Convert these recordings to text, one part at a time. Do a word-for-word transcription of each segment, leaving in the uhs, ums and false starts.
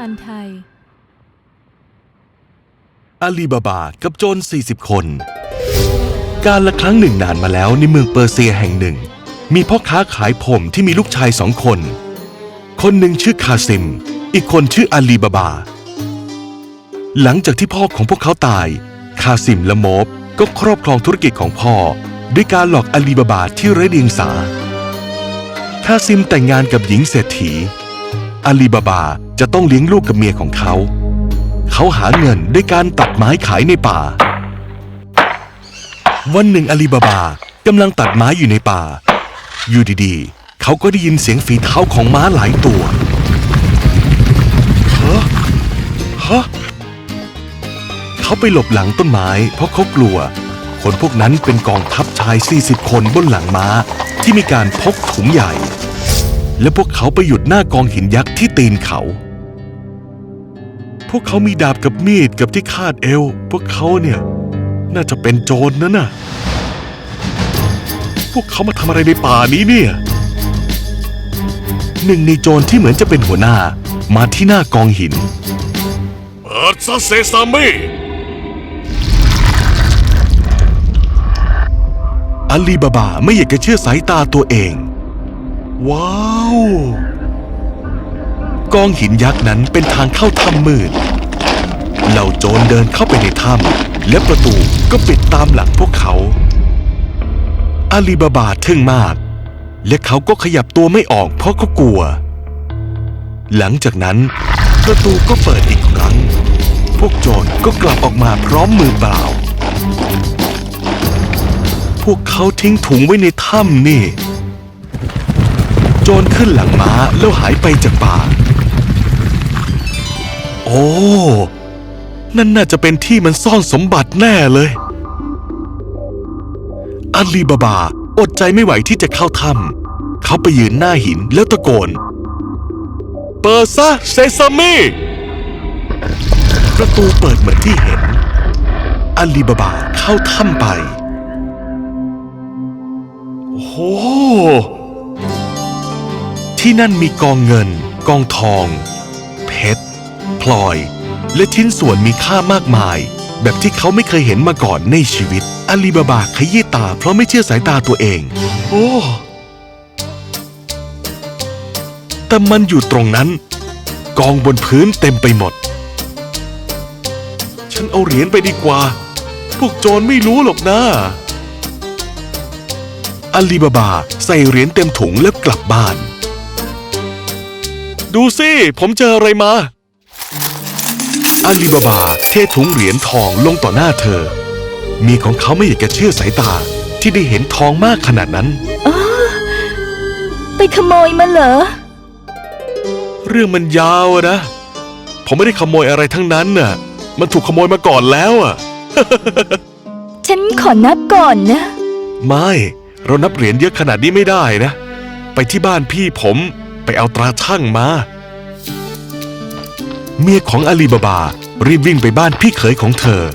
านไทยอาลีบาบากับโจรสี่สิบคนการละครั้งหนึ่งนานมาแล้วในเมืองเปอร์เซียแห่งหนึ่งมีพ่อค้าขายผมที่มีลูกชายสองคนคนหนึ่งชื่อคาซิมอีกคนชื่ออาลีบาบาหลังจากที่พ่อของพวกเขาตายคาซิมและโมบก็ครอบครองธุรกิจของพ่อด้วยการหลอกอาลีบาบาที่ไร้เดียงสาคาซิมแต่งงานกับหญิงเศรษฐีอาลีบาบาจะต้องเลี้ยงลูกกับเมียของเขาเขาหาเงินด้วยการตัดไม้ขายในป่าวันหนึ่งอาลีบาบากำลังตัดไม้อยู่ในป่าอยู่ดีๆเขาก็ได้ยินเสียงฝีเท้าของม้าหลายตัวฮะฮะเขาไปหลบหลังต้นไม้เพราะเขากลัวคนพวกนั้นเป็นกองทัพชายสี่สิบคนบนหลังม้าที่มีการพกถุงใหญ่และพวกเขาไปหยุดหน้ากองหินยักษ์ที่ตีนเขาพวกเขามีดาบกับมีดกับที่คาดเอวพวกเขาเนี่ยน่าจะเป็นโจรนั่นน่ะพวกเขามาทำอะไรในป่านี้เนี่ยหนึ่งในโจรที่เหมือนจะเป็นหัวหน้ามาที่หน้ากองหินเปิดซะเซซามิอาลีบาบาไม่อยากจะเชื่อสายตาตัวเองว้าวกองหินยักษ์นั้นเป็นทางเข้าถ้ำมืดเหล่าโจรเดินเข้าไปในถ้ำและประตูก็ปิดตามหลังพวกเขาอาลีบาบาทึ่งมากและเขาก็ขยับตัวไม่ออกเพราะเขากลัวหลังจากนั้นประตูก็เปิดอีกครั้งพวกโจรก็กลับออกมาพร้อมมือเปล่าพวกเขาทิ้งถุงไว้ในถ้ำนี่โจรขึ้นหลังม้าแล้วหายไปจากป่าโอ้นั่นน่าจะเป็นที่มันซ่อนสมบัติแน่เลยอาลีบาบาอดใจไม่ไหวที่จะเข้าถ้ำเขาไปยืนหน้าหินแล้วตะโกนเปิดซะเซซามิประตูเปิดเหมือนที่เห็นอาลีบาบาเข้าถ้ำไปโอ้โหที่นั่นมีกองเงินกองทองเพชรพลอยและชิ้นส่วนมีค่ามากมายแบบที่เขาไม่เคยเห็นมาก่อนในชีวิตอาลีบาบาขยี้ตาเพราะไม่เชื่อสายตาตัวเองโอ้แต่มันอยู่ตรงนั้นกองบนพื้นเต็มไปหมดฉันเอาเหรียญไปดีกว่าพวกโจรไม่รู้หรอกนะอาลีบาบาใส่เหรียญเต็มถุงแล้วกลับบ้านดูสิผมเจออะไรมาอาลีบาบาเทถุงเหรียญทองลงต่อหน้าเธอเมียของเขาไม่อยากจะเชื่อสายตาที่ได้เห็นทองมากขนาดนั้นอ๋อไปขโมยมาเหรอเรื่องมันยาวนะผมไม่ได้ขโมยอะไรทั้งนั้นน่ะมันถูกขโมยมาก่อนแล้วอ่ะฉันขอนับก่อนนะไม่เรานับเหรียญเยอะขนาดนี้ไม่ได้นะไปที่บ้านพี่ผมไปเอาตราชั่งมาเมียของอาลีบาบารีบวิ่งไปบ้านพี่เขยของเธอ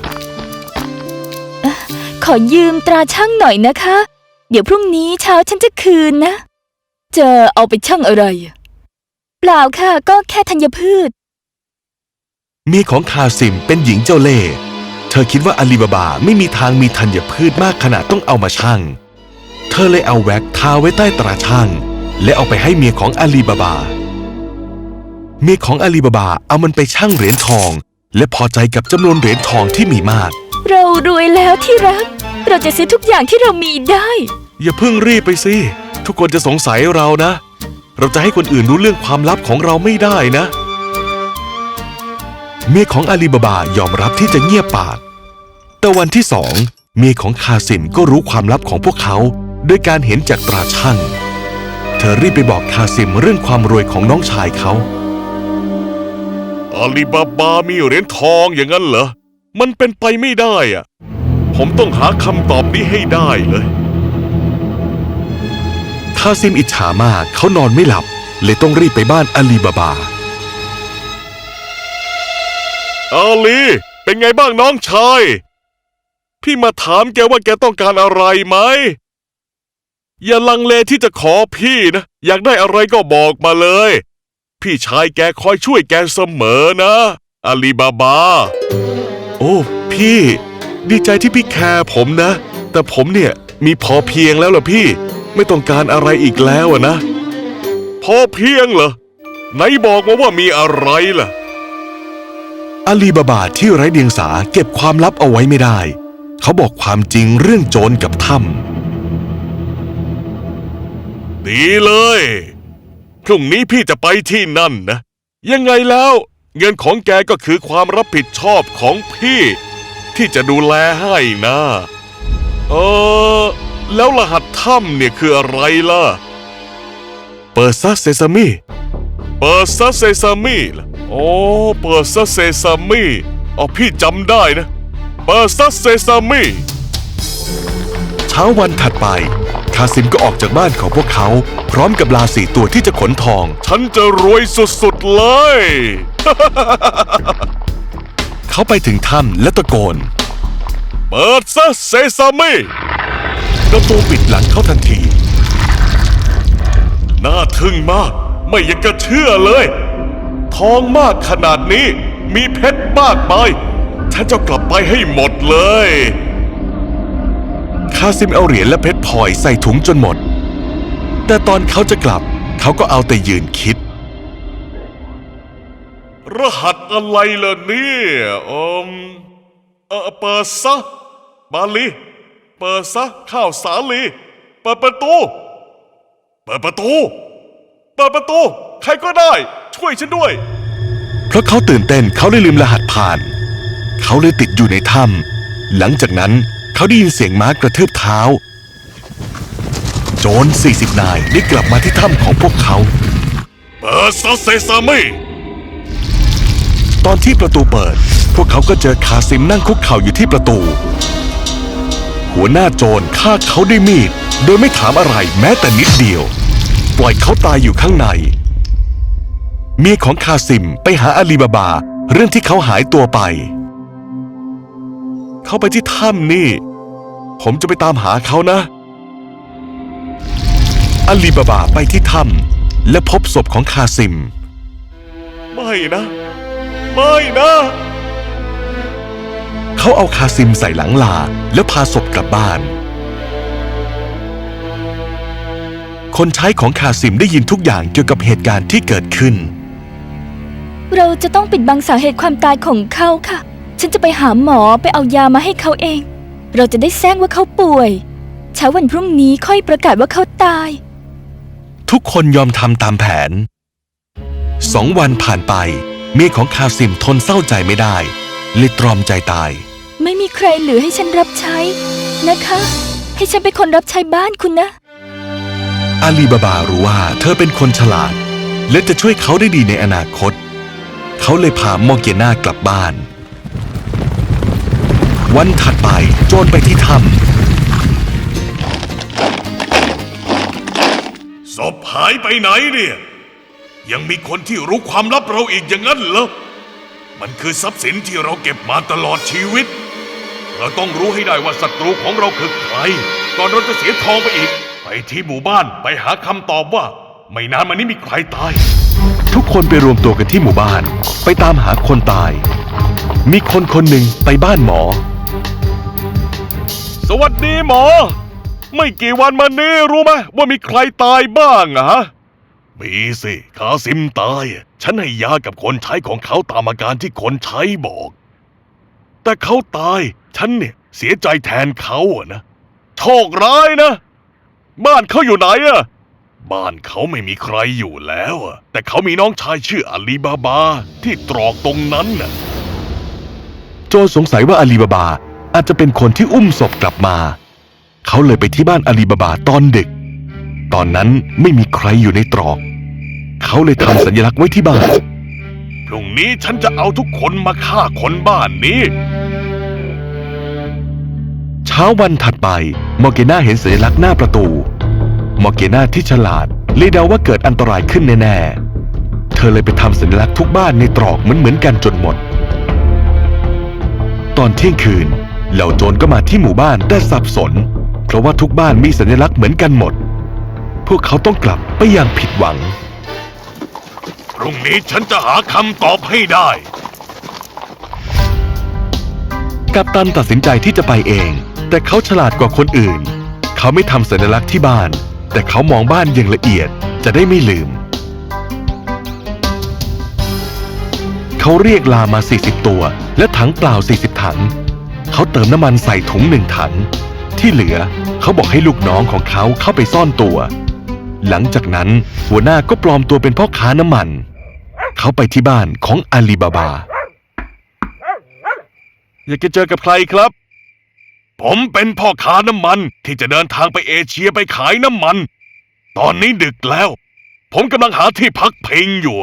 ขอยืมตราชั่งหน่อยนะคะเดี๋ยวพรุ่งนี้เช้าฉันจะคืนนะจะเอาไปชั่งอะไรเปล่าค่ะก็แค่ธัญพืชเมียของคาซิมเป็นหญิงเจ้าเล่ห์เธอคิดว่าอาลีบาบาไม่มีทางมีธัญพืชมากขนาดต้องเอามาชั่งเธอเลยเอาแว็กทาไว้ใต้ตราชั่งและเอาไปให้เมียของอาลีบาบาเมียของอาลีบาบาเอามันไปชั่งเหรียญทองและพอใจกับจำนวนเหรียญทองที่มีมากเรารวยแล้วที่รักเราจะซื้อทุกอย่างที่เรามีได้อย่าเพิ่งรีบไปสิทุกคนจะสงสัยเรานะเราจะให้คนอื่นรู้เรื่องความลับของเราไม่ได้นะเมียของอาลีบาบายอมรับที่จะเงียบปากแต่วันที่สองเมียของคาซิมก็รู้ความลับของพวกเขาด้วยการเห็นจากตราชั่งเธอรีบไปบอกคาซิมเรื่องความรวยของน้องชายเขาอาลีบาบามีเหรียญทองอย่างนั้นเหรอมันเป็นไปไม่ได้อะผมต้องหาคำตอบนี้ให้ได้เลยคาซิมอิจฉามากเขานอนไม่หลับเลยต้องรีบไปบ้านอาลีบาบาอาลีเป็นไงบ้างน้องชายพี่มาถามแกว่าแกต้องการอะไรไหมอย่าลังเลที่จะขอพี่นะอยากได้อะไรก็บอกมาเลยพี่ชายแกคอยช่วยแกเสมอนะอาลีบาบาโอ้พี่ดีใจที่พี่แคร์ผมนะแต่ผมเนี่ยมีพอเพียงแล้วล่ะพี่ไม่ต้องการอะไรอีกแล้วอะนะพอเพียงเหรอไหนบอกมาว่ามีอะไรล่ะอาลีบาบาที่ไร้เดียงสาเก็บความลับเอาไว้ไม่ได้เขาบอกความจริงเรื่องโจรกับถ้ำดีเลยพรุ่งนี้พี่จะไปที่นั่นนะยังไงแล้วเงินของแกก็คือความรับผิดชอบของพี่ที่จะดูแลให้นะเออแล้วรหัสถ้ำเนี่ยคืออะไรล่ะเปิดซะเซซามิเปิดซะเซซามิล่ะโอ้เปิดซะเซซามิอ๋อพี่จำได้นะเปิดซะเซซามิเช้าวันถัดไปคาซิมก็ออกจากบ้านของพวกเขาพร้อมกับลาสี่ตัวที่จะขนทองฉันจะรวยสุดๆเลยเขาไปถึงถ้ำและตะโกนเปิดซะเซซามิประตูปิดหลังเขาทันทีน่าทึ่งมากไม่อยากจะเชื่อเลย ทองมากขนาดนี้มีเพชรมากมายฉันจะกลับไปให้หมดเลยคาซิมเอาเหรียญและเพชรพลอยใส่ถุงจนหมด แต่ตอนเขาจะกลับเขาก็เอาแต่ยืนคิดรหัสอะไรล่ะเนี่ยเอมเออเปิดซะบาลีเปิดซะข้าวสาลีเปิดประตูเปิดประตูเปิดประตูใครก็ได้ช่วยฉันด้วยเพราะเขาตื่นเต้นเขาเลยลืมรหัสผ่าน เขาเลยติดอยู่ในถ้ำหลังจากนั้นเขาได้ยินเสียงม้ากระทืบเท้า โจรสี่สิบนายได้กลับมาที่ถ้ำของพวกเขาเปิดซะเซซามิตอนที่ประตูเปิด พวกเขาก็เจอคาซิมนั่งคุกเข่าอยู่ที่ประตู หัวหน้าโจรฆ่าเขาด้วยมีดโดยไม่ถามอะไรแม้แต่นิดเดียว ปล่อยเขาตายอยู่ข้างในเมียของคาซิมไปหาอาลีบาบาเรื่องที่เขาหายตัวไป เขาไปที่ถ้ำนี่ ผมจะไปตามหาเขานะอาลีบาบาไปที่ถ้ำและพบศพของคาซิมไม่นะ ไม่นะเขาเอาคาซิมใส่หลังลาแล้วพาศพกลับบ้าน คนใช้ของคาซิมได้ยินทุกอย่างเกี่ยวกับเหตุการณ์ที่เกิดขึ้นเราจะต้องปิดบังสาเหตุความตายของเขาค่ะ ฉันจะไปหาหมอไปเอายามาให้เขาเอง เราจะได้แจ้งว่าเขาป่วยเช้าวันพรุ่งนี้ค่อยประกาศว่าเขาตายทุกคนยอมทำตามแผน สองวันผ่านไปเมียของคาซิมทนเศร้าใจไม่ได้เลยตรอมใจตายไม่มีใครเหลือให้ฉันรับใช้นะคะ ให้ฉันเป็นคนรับใช้บ้านคุณนะอาลีบาบารู้ว่าเธอเป็นคนฉลาดและจะช่วยเขาได้ดีในอนาคต เขาเลยพามอร์เกน่ากลับบ้าน วันถัดไปโจรไปที่ถ้ำศพหายไปไหนเนี่ย ยังมีคนที่รู้ความลับเราอีกอย่างนั้นเหรอ มันคือทรัพย์สินที่เราเก็บมาตลอดชีวิต เราต้องรู้ให้ได้ว่าศัตรูของเราคือใคร ก่อนเราจะเสียทองไปอีก ไปที่หมู่บ้านไปหาคำตอบว่า ไม่นานมานี้มีใครตายทุกคนไปรวมตัวกันที่หมู่บ้านไปตามหาคนตาย มีคนคนหนึ่งไปบ้านหมอสวัสดีหมอ ไม่กี่วันมานี้รู้ไหมว่ามีใครตายบ้างอะฮะ มีสิคาซิมตาย ฉันให้ยากับคนใช้ของเขาตามอาการที่คนใช้บอก แต่เขาตาย ฉันเนี่ยเสียใจแทนเขาอะนะโชคร้ายนะ บ้านเขาอยู่ไหนอะบ้านเขาไม่มีใครอยู่แล้วอะแต่เขามีน้องชายชื่ออาลีบาบาที่ตรอกตรงนั้นน่ะโจรสงสัยว่าอาลีบาบาอาจจะเป็นคนที่อุ้มศพกลับมา เขาเลยไปที่บ้านอาลีบาบาตอนดึก ตอนนั้นไม่มีใครอยู่ในตรอก เขาเลยทำสัญลักษณ์ไว้ที่บ้านพรุ่งนี้ฉันจะเอาทุกคนมาฆ่าคนบ้านนี้เช้าวันถัดไปมอร์เกน่าเห็นสัญลักษณ์หน้าประตู มอร์เกน่าที่ฉลาดเลยเดาว่าเกิดอันตรายขึ้นแน่ๆ เธอเลยไปทำสัญลักษณ์ทุกบ้านในตรอกเหมือนๆกันจนหมด ตอนเที่ยงคืนเหล่าโจรก็มาที่หมู่บ้านแต่สับสน เพราะว่าทุกบ้านมีสัญลักษณ์เหมือนกันหมด พวกเขาต้องกลับไปอย่างผิดหวังพรุ่งรุ่งนี้ฉันจะหาคำตอบให้ได้กัปตันตัดสินใจที่จะไปเอง แต่เขาฉลาดกว่าคนอื่น เขาไม่ทำสัญลักษณ์ที่บ้าน แต่เขามองบ้านอย่างละเอียดจะได้ไม่ลืม เขาเรียกลามาสี่สิบตัวและถังเปล่าสี่สิบถังเขาเติมน้ำมันใส่ถุงหนึ่งถังที่เหลือเขาบอกให้ลูกน้องของเขาเข้าไปซ่อนตัว หลังจากนั้นหัวหน้าก็ปลอมตัวเป็นพ่อค้าน้ำมัน เขาไปที่บ้านของอาลีบาบา อยากจะเจอกับใครครับผมเป็นพ่อค้าน้ำมันที่จะเดินทางไปเอเชียไปขายน้ำมัน ตอนนี้ดึกแล้ว ผมกำลังหาที่พักพิงอยู่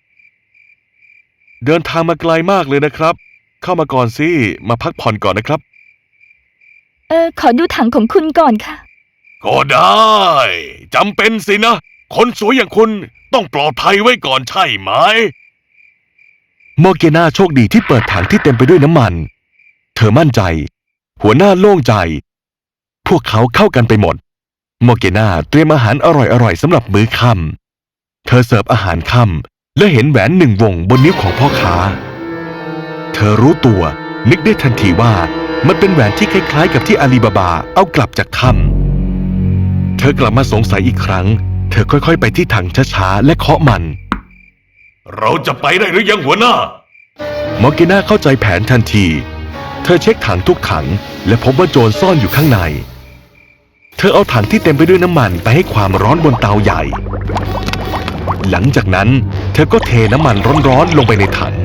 เดินทางมาไกลมากเลยนะครับ เข้ามาก่อนสิมาพักผ่อนก่อนนะครับเออขอดูถังของคุณก่อนค่ะก็ได้จำเป็นสินะ คนสวยอย่างคุณต้องปลอดภัยไว้ก่อนใช่ไหมมอร์เกนาโชคดีที่เปิดถังที่เต็มไปด้วยน้ำมัน เธอมั่นใจ หัวหน้าโล่งใจ พวกเขาเข้ากันไปหมด มอร์เกนาเตรียมอาหารอร่อยๆสำหรับมื้อค่ำเธอเสิร์ฟอาหารค่ำและเห็นแหวนหนึ่งวงบนนิ้วของพ่อค้า เธอรู้ตัวนึกได้ทันทีว่ามันเป็นแหวนที่คล้ายๆกับที่อาลีบาบาเอากลับจากถ้ำเธอกลับมาสงสัยอีกครั้ง เธอค่อยๆไปที่ถังช้าๆและเคาะมันเราจะไปได้หรือยังหัวหน้ามอร์เกนาเข้าใจแผนทันที เธอเช็คถังทุกถังและพบว่าโจรซ่อนอยู่ข้างใน เธอเอาถังที่เต็มไปด้วยน้ำมันไปให้ความร้อนบนเตาใหญ่ หลังจากนั้นเธอก็เทน้ำมันร้อนๆลงไปในถัง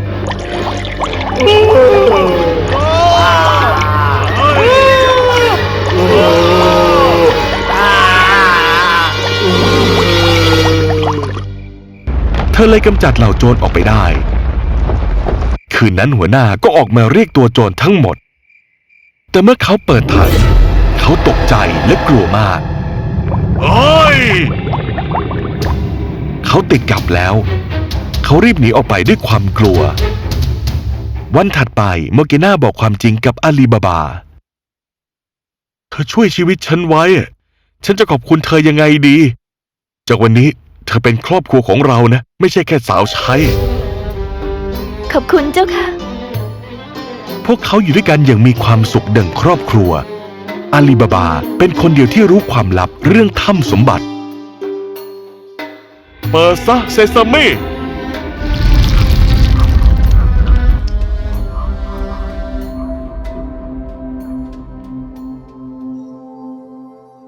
เธอเลยกำจัดเหล่าโจรออกไปได้ คืนนั้นหัวหน้าก็ออกมาเรียกตัวโจรทั้งหมด แต่เมื่อเขาเปิดถังเขาตกใจและกลัวมากเฮ้ยเขาติดกับแล้ว เขารีบหนีออกไปด้วยความกลัว วันถัดไปโมอร์เกนาบอกความจริงกับอาลีบาบา เธอช่วยชีวิตฉันไว้ ฉันจะขอบคุณเธอยังไงดี จากวันนี้เธอเป็นครอบครัวของเรานะ ไม่ใช่แค่สาวใช้ขอบคุณเจ้าค่ะพวกเขาอยู่ด้วยกันอย่างมีความสุขดังครอบครัว อาลีบาบาเป็นคนเดียวที่รู้ความลับเรื่องถ้ำสมบัติเปิดซะเซซามิ